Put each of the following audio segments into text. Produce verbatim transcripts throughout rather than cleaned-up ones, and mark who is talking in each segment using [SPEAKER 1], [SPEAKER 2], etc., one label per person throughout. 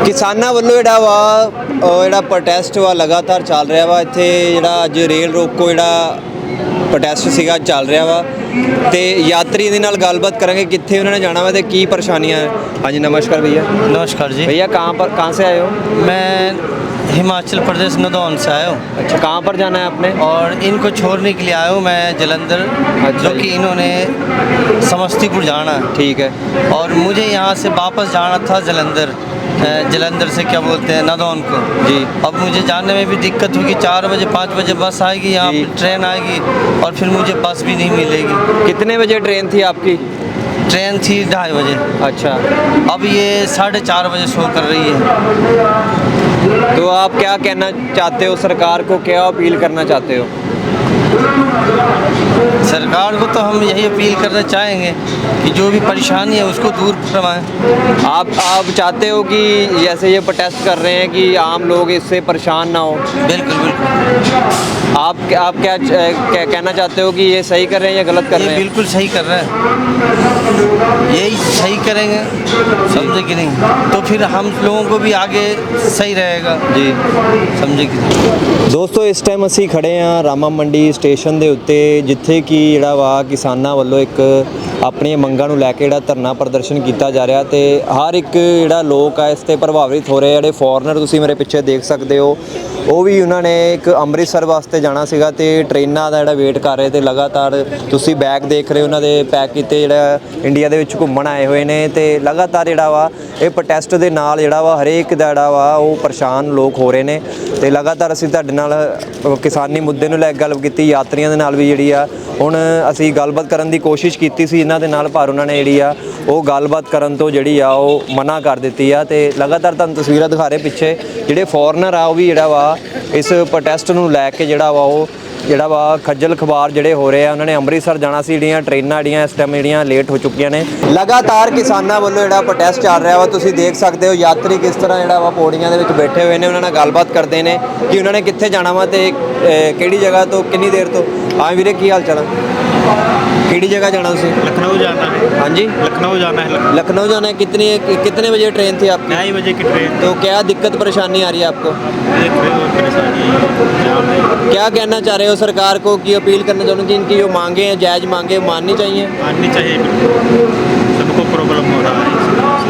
[SPEAKER 1] ਕਿਸਾਨਾਂ ਵੱਲੋਂ ਜਿਹੜਾ ਵਾ ਉਹ ਜਿਹੜਾ ਪ੍ਰੋਟੈਸਟ ਵਾ ਲਗਾਤਾਰ ਚੱਲ ਰਿਹਾ ਵਾ। ਇੱਥੇ ਜਿਹੜਾ ਅੱਜ ਰੇਲ ਰੋਕੋ ਜਿਹੜਾ ਪ੍ਰੋਟੈਸਟ ਸੀਗਾ ਚੱਲ ਰਿਹਾ ਵਾ ਤੇ ਯਾਤਰੀ ਦੇ ਨਾਲ ਗੱਲਬਾत ਕਰਾਂਗੇ ਕਿੱਥੇ ਉਹਨਾਂ ਨੇ ਜਾਣਾ ਵਾ ਤੇ ਕੀ ਪਰੇਸ਼ਾਨੀਆਂ ਹੈ। ਹਾਂਜੀ नमस्कार भैया।
[SPEAKER 2] नमस्कार जी।
[SPEAKER 1] भैया कहाँ पर कहाँ से आए हो?
[SPEAKER 2] मैं हिमाचल प्रदेश नदौन से आया हूँ।
[SPEAKER 1] अच्छा, कहाँ पर जाना है आपने?
[SPEAKER 2] और इनको छोड़ने के लिए आया हूँ मैं जलंधर।
[SPEAKER 1] अच्छा
[SPEAKER 2] जो
[SPEAKER 1] जी।
[SPEAKER 2] कि इन्होंने समस्तीपुर जाना है।
[SPEAKER 1] ठीक है।
[SPEAKER 2] और मुझे यहाँ से वापस जाना था जलंधर। अ, जलंधर से क्या बोलते हैं नदौन को
[SPEAKER 1] जी।
[SPEAKER 2] अब मुझे जाने में भी दिक्कत होगी। चार बजे पाँच बजे बस आएगी, यहाँ
[SPEAKER 1] जी।
[SPEAKER 2] पे ट्रेन आएगी और फिर मुझे बस भी नहीं मिलेगी।
[SPEAKER 1] कितने बजे ट्रेन थी आपकी?
[SPEAKER 2] ट्रेन थी ढाई बजे।
[SPEAKER 1] अच्छा,
[SPEAKER 2] अब ये साढ़े चार बजे शो कर रही है।
[SPEAKER 1] तो आप क्या कहना चाहते हो सरकार को, क्या अपील करना चाहते हो?
[SPEAKER 2] सरकार को तो हम यही अपील करना चाहेंगे कि जो भी परेशानी है उसको दूर करवाएं।
[SPEAKER 1] आप आप चाहते हो कि जैसे ये प्रोटेस्ट कर रहे हैं कि आम लोग इससे परेशान ना हो?
[SPEAKER 2] बिल्कुल बिल्कुल।
[SPEAKER 1] आप आप क्या, क्या कहना चाहते हो कि ये सही कर रहे हैं या गलत कर
[SPEAKER 2] ये
[SPEAKER 1] रहे हैं?
[SPEAKER 2] बिल्कुल सही कर रहे हैं, यही सही करेंगे, समझे कि नहीं? तो फिर हम लोगों को भी आगे सही रहेगा
[SPEAKER 1] जी,
[SPEAKER 2] समझे कि नहीं?
[SPEAKER 1] ਦੋਸਤੋ ਇਸ ਟਾਈਮ ਅਸੀਂ ਖੜੇ ਹਾਂ ਰਾਮਾ ਮੰਡੀ ਸਟੇਸ਼ਨ ਦੇ ਉੱਤੇ, ਜਿੱਥੇ ਕਿ ਜਿਹੜਾ ਵਾ ਕਿਸਾਨਾਂ ਵੱਲੋਂ ਇੱਕ ਆਪਣੀਆਂ ਮੰਗਾਂ ਨੂੰ ਲੈ ਕੇ ਜਿਹੜਾ ਧਰਨਾ ਪ੍ਰਦਰਸ਼ਨ ਕੀਤਾ ਜਾ ਰਿਹਾ ਤੇ ਹਰ ਇੱਕ ਜਿਹੜਾ ਲੋਕ ਆ ਇਸ ਤੇ ਪ੍ਰਭਾਵਿਤ ਹੋ ਰਹੇ। ਜਿਹੜੇ ਫੋਰਨਰ ਤੁਸੀਂ ਮੇਰੇ ਪਿੱਛੇ ਦੇਖ ਸਕਦੇ ਹੋ, ਉਹ ਵੀ ਉਹਨਾਂ ਨੇ ਇੱਕ ਅੰਮ੍ਰਿਤਸਰ ਵਾਸਤੇ ਜਾਣਾ ਸੀਗਾ ਤੇ ਟ੍ਰੇਨਾਂ ਦਾ ਜਿਹੜਾ ਵੇਟ ਕਰ ਰਹੇ ਤੇ ਲਗਾਤਾਰ ਤੁਸੀਂ ਬੈਗ ਦੇਖ ਰਹੇ ਉਹਨਾਂ ਦੇ ਪੈਕ ਕੀਤੇ ਜਿਹੜਾ ਇੰਡੀਆ ਦੇ ਵਿੱਚ ਘੁੰਮਣ ਆਏ ਹੋਏ ਨੇ ਤੇ ਲਗਾਤਾਰ ਜਿਹੜਾ ਵਾ ਇਹ ਪ੍ਰੋਟੈਸਟ ਦੇ ਨਾਲ ਜਿਹੜਾ ਵਾ ਹਰੇਕ ਦਾ ਜਿਹੜਾ ਵਾ ਉਹ ਪਰੇਸ਼ਾਨ ਲੋਕ ਹੋ ਰਹੇ ਨੇ ਤੇ ਲਗਾਤਾਰ ਅਸੀਂ ਤੁਹਾਡੇ ਨਾਲ ਕਿਸਾਨੀ ਮੁੱਦੇ ਨੂੰ ਲੈ ਕੇ ਗੱਲ ਕੀਤੀ। ਯਾਤਰੀਆਂ ਦੇ ਨਾਲ ਵੀ ਜਿਹੜੀ ਆ ਹੁਣ ਅਸੀਂ ਗੱਲਬਾਤ ਕਰਨ ਦੀ ਕੋਸ਼ਿਸ਼ ਕੀਤੀ ਸੀ ਇਹਨਾਂ ਦੇ ਨਾਲ, ਪਰ ਉਹਨਾਂ ਨੇ ਜਿਹੜੀ ਆ ਉਹ ਗੱਲਬਾਤ ਕਰਨ ਤੋਂ ਜਿਹੜੀ ਆ ਉਹ ਮਨਾ ਕਰ ਦਿੱਤੀ ਆ ਤੇ ਲਗਾਤਾਰ ਤੁਹਾਨੂੰ ਤਸਵੀਰਾਂ ਦਿਖਾ ਰਹੇ ਪਿੱਛੇ ਜਿਹੜੇ ਫੋਰਨਰ ਆ ਉਹ ਵੀ ਜਿਹੜਾ ਵਾ ਇਸ ਪ੍ਰੋਟੈਸਟ ਨੂੰ ਲੈ ਕੇ ਜਿਹੜਾ ਵਾ ਉਹ ਜਿਹੜਾ ਵਾ ਖੱਜਲ ਖਵਾਰ ਜਿਹੜੇ ਹੋ ਰਹੇ ਆ। ਉਹਨਾਂ ਨੇ ਅੰਮ੍ਰਿਤਸਰ ਜਾਣਾ ਸੀ, ਜਿਹੜੀਆਂ ਟ੍ਰੇਨਾਂ ਜਿਹੜੀਆਂ ਇਸ ਟਾਈਮ ਜਿਹੜੀਆਂ ਲੇਟ ਹੋ ਚੁੱਕੀਆਂ ਨੇ। ਲਗਾਤਾਰ ਕਿਸਾਨਾਂ ਵੱਲੋਂ ਜਿਹੜਾ ਪ੍ਰੋਟੈਸਟ ਚੱਲ ਰਿਹਾ ਵਾ, ਤੁਸੀਂ ਦੇਖ ਸਕਦੇ ਹੋ ਯਾਤਰੀ ਕਿਸ ਤਰ੍ਹਾਂ ਜਿਹੜਾ ਵਾ ਪੌੜੀਆਂ ਦੇ ਵਿੱਚ ਬੈਠੇ ਹੋਏ ਨੇ, ਉਹਨਾਂ ਨਾਲ ਗੱਲਬਾਤ ਕਰਦੇ ਨੇ ਕਿ ਉਹਨਾਂ ਨੇ ਕਿੱਥੇ ਜਾਣਾ ਵਾ ਤੇ ਕਿਹੜੀ ਜਗ੍ਹਾ ਤੋਂ ਕਿੰਨੀ ਦੇਰ ਤੋਂ। ਹਾਂ ਵੀਰੇ, ਕੀ ਹਾਲ ਚਾਲ ਹੈ? ਕਿਹੜੀ जगह जाना उसे?
[SPEAKER 3] लखनऊ जाना है।
[SPEAKER 1] हाँ जी,
[SPEAKER 3] लखनऊ जाना है।
[SPEAKER 1] लखनऊ जाना है। कितनी कितने बजे ट्रेन थी आपकी?
[SPEAKER 3] ढाई बजे की ट्रेन।
[SPEAKER 1] तो क्या दिक्कत परेशानी आ रही है आपको?
[SPEAKER 3] देख रहे हो परेशानी जाम है।
[SPEAKER 1] क्या कहना चाह रहे हो सरकार को, की अपील करना चाहूँ कि इनकी जो मांगे हैं जायज़ मांगे माननी चाहिए?
[SPEAKER 3] माननी चाहिए, बिल्कुल सबको प्रॉब्लम हो रहा है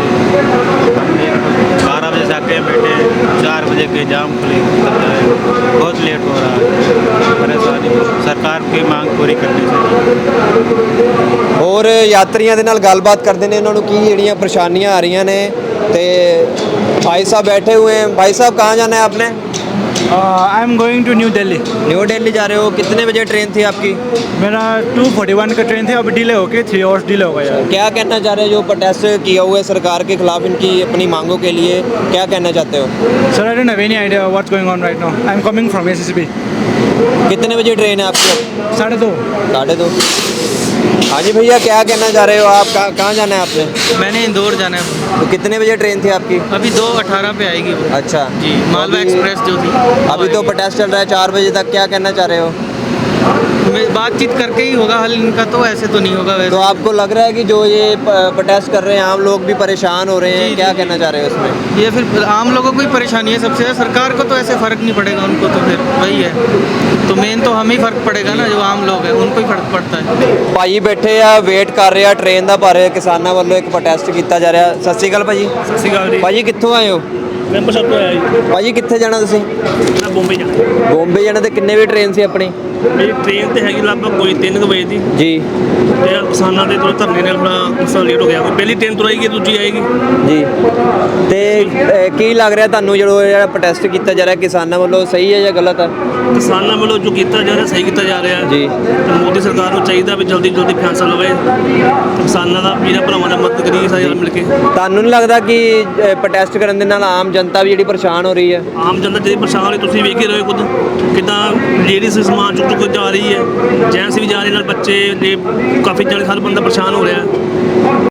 [SPEAKER 3] बारह बजे से आके बैठे, चार बजे के जाम खुले, बहुत लेट हो रहा है। परेशानी सरकार की मांग पूरी करनी चाहिए।
[SPEAKER 1] और यात्रियों के नाल गलबात करते हैं, उन्होंने की ਜਿਹੜੀਆਂ परेशानियां आ रही ने ते भाई साहब बैठे हुए हैं। भाई साहब कहाँ जाना है आपने?
[SPEAKER 4] I am going to New Delhi.
[SPEAKER 1] New Delhi जा रहे हो? कितने बजे ट्रेन थी आपकी?
[SPEAKER 4] मेरा टू फोर्टी वन का ट्रेन थी, अब डिले होके थ्री आवर्स डिले हो गया।
[SPEAKER 1] क्या कहना चाह रहे हो जो प्रोटेस्ट किया हुआ है सरकार के खिलाफ, इनकी अपनी मांगों के लिए क्या कहना चाहते हो?
[SPEAKER 4] Sir I don't have any idea what's going on right now. I am coming from SSB.
[SPEAKER 1] कितने बजे ट्रेन है आपकी?
[SPEAKER 4] साढ़े दो।
[SPEAKER 1] साढ़े दो। हाँ जी भैया, क्या कहना चाह रहे हो आप? कहाँ कहाँ जाना है आपने?
[SPEAKER 2] मैंने इंदौर जाना है।
[SPEAKER 1] तो कितने बजे ट्रेन थी आपकी?
[SPEAKER 2] अभी दो अठारह पे आएगी वो।
[SPEAKER 1] अच्छा
[SPEAKER 2] जी, मालवा
[SPEAKER 1] अभी-
[SPEAKER 2] एक्सप्रेस जो थी
[SPEAKER 1] अभी तो प्रोटेस्ट चल रहा है चार बजे तक, क्या कहना चाह रहे हो?
[SPEAKER 2] में बातचीत करके ही होगा हल इनका, तो ऐसे तो नहीं होगा वैसे।
[SPEAKER 1] तो आपको लग रहा है कि जो ये प्रोटेस्ट कर रहे हैं आम लोग भी परेशान हो रहे हैं,
[SPEAKER 2] जी,
[SPEAKER 1] क्या
[SPEAKER 2] जी।
[SPEAKER 1] कहना चाह रहे हो इसमें?
[SPEAKER 2] ये फिर आम लोगों को ही परेशानी है सबसे, सरकार को तो ऐसे फ़र्क नहीं पड़ेगा, उनको तो फिर वही है। तो मेन तो हमें ही फ़र्क पड़ेगा ना, जो आम लोग हैं उनको ही फ़र्क पड़ता है।
[SPEAKER 1] ਭਾਈ ਬੈਠੇ ਆ ਵੇਟ ਕਰ ਰਹੇ ਆ ਟ੍ਰੇਨ ਦਾ, ਪਰ ਕਿਸਾਨਾਂ ਵੱਲੋਂ ਇੱਕ ਪ੍ਰੋਟੈਸਟ ਕੀਤਾ ਜਾ ਰਿਹਾ। ਸਤਿ ਸ਼੍ਰੀ ਅਕਾਲ ਭਾਜੀ।
[SPEAKER 3] ਸਤਿ ਸ਼੍ਰੀ ਅਕਾਲ ਜੀ।
[SPEAKER 1] ਭਾਜੀ ਕਿੱਥੋਂ ਆਏ ਹੋ?
[SPEAKER 3] ਮੈਂਬਰ ਸਾਹਿਬ ਤੋਂ ਆਇਆ ਜੀ।
[SPEAKER 1] ਭਾਜੀ ਕਿੱਥੇ ਜਾਣਾ ਤੁਸੀਂ?
[SPEAKER 3] ਮੈਂ ਬੰਬਈ ਜਾਣਾ।
[SPEAKER 1] ਬੰਬੇ ਜਾਣਾ। ਤੇ ਕਿੰਨੇ ਵਜੇ ਟ੍ਰੇਨ ਸੀ ਆਪਣੀ?
[SPEAKER 3] ਮੇਰੀ ਟ੍ਰੇਨ ਤੇ ਹੈਗੀ ਲਗਭਗ ਕੋਈ ਤਿੰਨ ਕੁ ਵਜੇ ਦੀ
[SPEAKER 1] ਜੀ
[SPEAKER 3] ਤੇ ਕਿਸਾਨਾਂ ਦੇ ਥੋੜਾ ਧਰਨੇ ਨਾਲ ਥੋੜਾ ਉਸ ਲੇਟ ਹੋ ਗਿਆ। ਕੋਈ ਪਹਿਲੀ ਟ੍ਰੇਨ ਤੁਰ ਆਏਗੀ, ਦੂਜੀ ਆਏਗੀ।
[SPEAKER 1] ਜੀ। ਤੇ ਅਹ, ਕੀ ਲੱਗ ਰਿਹਾ ਤੁਹਾਨੂੰ ਜਦੋਂ ਜਿਹੜਾ ਪ੍ਰੋਟੈਸਟ ਕੀਤਾ ਜਾ ਰਿਹਾ ਕਿਸਾਨਾਂ ਵੱਲੋਂ, ਸਹੀ ਹੈ ਜਾਂ ਗਲਤ ਹੈ?
[SPEAKER 3] ਕਿਸਾਨਾਂ ਵੱਲੋਂ ਜੋ ਕੀਤਾ ਜਾ ਰਿਹਾ ਸਹੀ ਕੀਤਾ ਜਾ ਰਿਹਾ ਹੈ।
[SPEAKER 1] ਜੀ।
[SPEAKER 3] ਤੇ ਮੋਦੀ ਸਰਕਾਰ ਨੂੰ ਚਾਹੀਦਾ ਵੀ ਜਲਦੀ ਜਲਦੀ ਫੈਸਲਾ ਲਵੇ ਤੇ ਕਿਸਾਨਾਂ ਦਾ ਵੀਰਾਂ ਭਰਾਵਾਂ ਦਾ ਮਦਦ ਕਰੀਏ ਸਾਰੇ ਰਲ ਮਿਲ ਕੇ।
[SPEAKER 1] ਤੁਹਾਨੂੰ ਨਹੀਂ ਲੱਗਦਾ ਕਿ ਪ੍ਰੋਟੈਸਟ ਕਰਨ ਦੇ ਨਾਲ ਆਮ ਜਨਤਾ ਵੀ ਜਿਹੜੀ ਪਰੇਸ਼ਾਨ ਹੋ ਰਹੀ ਹੈ?
[SPEAKER 3] ਆਮ ਜਨਤਾ ਜਿਹੜੀ ਪਰੇਸ਼ਾਨ ਹੋਈ, ਤੁਸੀਂ ਵੇਖ ਹੀ ਰਹੇ ਹੋ ਖੁਦ ਕਿੱਦਾਂ ਲੇਡੀਜ਼ ਸਮਾਨ ਚੁੱਕ ਚੁੱਕ ਜਾ ਰਹੀ ਹੈ, ਜੈਂਟਸ ਵੀ ਜਾ ਰਹੇ ਨਾਲ, ਬੱਚੇ ਨੇ ਕਾਫੀ ਜਣੇ, ਹਰ ਬੰਦਾ ਪਰੇਸ਼ਾਨ ਹੋ ਰਿਹਾ।